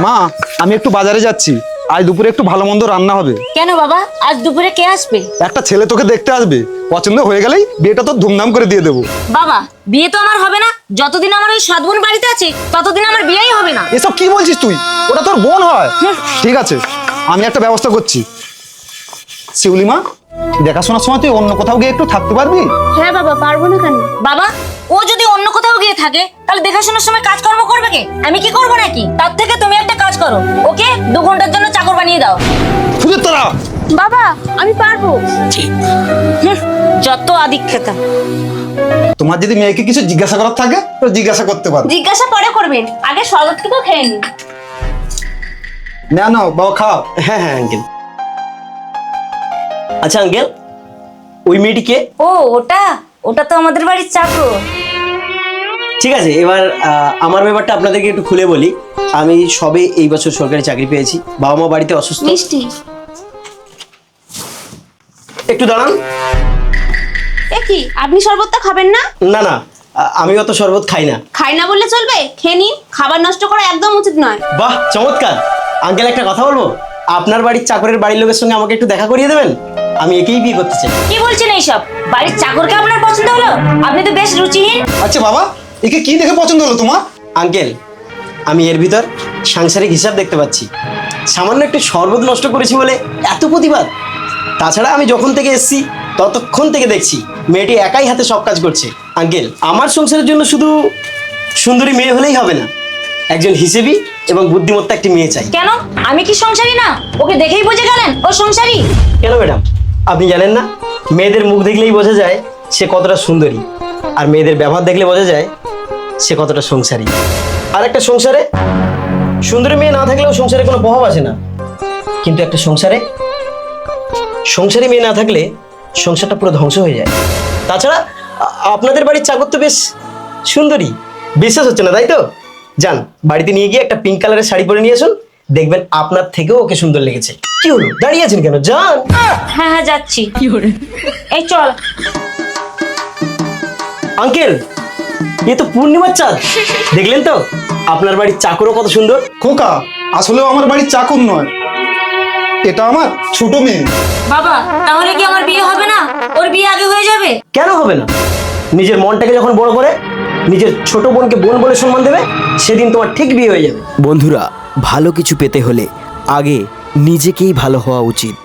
মা, আমি একটু বাজারে যাচ্ছি। আজ দুপুরে একটু ভালো মন্দ রান্না হবে। কেন বাবা, আজ দুপুরে কে আসবে? একটা ছেলে তোকে দেখতে আসবে, পছন্দ হয়ে গেলেই বিয়েটা তো ধুমধাম করে দিয়ে দেবো। বাবা, বিয়ে তো আমার হবে না। যতদিন আমার ওই সৎ বোন বাড়িতে আছে ততদিন আমার বিয়েই হবে না। এসব কি বলছিস তুই? ওটা তোর বোন হয়। ঠিক আছে, আমি একটা ব্যবস্থা করছি। শিউলি মা, দেখাশোনার সময় তুই অন্য কোথাও গিয়ে একটু থাকতে পারবি? হ্যাঁ বাবা, পারবো না কেন? বাবা, ও যদি অন্য কোথাও গিয়ে থাকে তাহলে দেখাশোনার সময় কাজকর্ম করবে কে? আমি কি করবো নাকি? তার থেকে তুমি একটা কাজ করো, ওকে 2 ঘন্টার জন্য চাকর বানিয়ে দাও। খুঁজে তোরা। বাবা, আমি পারবো। যত আদিক্ষেতা। তোমার যদি মেয়েকে কিছু জিজ্ঞাসা করার থাকে তো জিজ্ঞাসা করতে পারো। জিজ্ঞাসা পরে করবেন, আগে শরবতকে তো খেয়ে নিন। না না বাবা, খাও। হ্যাঁ হ্যাঁ আঙ্কেল। আচ্ছা আঙ্কেল, ওই মেয়েটি কে? ও, ওটা ওটা তো আমাদের বাড়ির চাকর। ঠিক আছে, এবার আমার ব্যাপারটা আপনাদেরকে একটু খুলে বলি। আমি সবে এই বছর সরকারি চাকরি পেয়েছি। বাবা মা বাড়িতে অসুস্থ। মিষ্টি। একটু দাঁড়ান। এ কি, আপনি শরবতটা খাবেন না? না না, আমি অত শরবত খাই না। খাই না বললে চলবে, খেয়ে নিন। খাবার নষ্ট করা একদম উচিত নয়। বাহ, চমৎকার। আঙ্কেল, একটা কথা বলবো? আপনার বাড়ির চাকরের বাড়ির লোকের সঙ্গে আমাকে একটু দেখা করিয়ে দেবেন? আমি একেই বিয়ে করতে চাই। কি বলছেন এইসব? বাড়ির চাকরকে আপনার পছন্দ হলো? আপনি তো বেশ রুচিহীন। আচ্ছা বাবা, একে কি দেখে পছন্দ হলো তোমার? আঙ্কেল, আমি এর ভিতর সাংসারিক হিসাব দেখতে পাচ্ছি। সামান্য একটু শরবত নষ্ট করেছি বলে এত প্রতিবাদ। তাছাড়া আমি যখন থেকে এসেছি ততক্ষণ থেকে দেখছি মেয়েটি একাই হাতে সব কাজ করছে। আঙ্কেল, আমার সংসারের জন্য শুধু সুন্দরী মেয়ে হলেই হবে না, একজন হিসেবি এবং বুদ্ধিমত্তা একটি মেয়ে চাই। কেন, আমি কি সংসারী না? ওকে দেখেই বুঝে গেলেন ও সংসারী? কেন ম্যাডাম, আপনি জানেন না? মেয়েদের মুখ দেখলেই বোঝা যায় সে কতটা সুন্দরী, আর মেয়েদের ব্যবহার দেখলে বোঝা যায় সে কতটা সংসারী। আর একটা সংসারে সুন্দরী মেয়ে না থাকলেও সংসারে কোনো প্রভাব আসে না, কিন্তু একটা সংসারে সংসারী মেয়ে না থাকলে সংসারটা পুরো ধ্বংস হয়ে যায়। তাছাড়া আপনাদের বাড়ির চাকর তো বেশ সুন্দরী। বিশ্বাস হচ্ছে না তাই তো? যান, বাড়িতে নিয়ে গিয়ে একটা পিঙ্ক কালারের শাড়ি পরে নিয়ে আসুন, দেখবেন আপনার থেকেও ওকে সুন্দর লেগেছে। কি হলো, দাঁড়িয়ে আছেন কেন? যান। হ্যাঁ হ্যাঁ, যাচ্ছি। এই চল। আঙ্কেল, এ তো পূর্ণিমার চাঁদ। দেখলেন তো আপনার বাড়ির চাকরও কত সুন্দর। খোকা, আসলেও আমার বাড়ির চাকর নয়, এটা আমার ছোট মেয়ে। বাবা, তাহলে কি আমার বিয়ে হবে না? ওর বিয়ে আগে হয়ে যাবে? কেন হবে না? নিজের মনটাকে যখন বড় করে নিজের ছোট বোনকে বোন বলে সম্মান দেবে, সেদিন তোমার ঠিক বিয়ে হয়ে যাবে। বন্ধুরা, ভালো কিছু পেতে হলে আগে নিজেকেই ভালো হওয়া উচিত।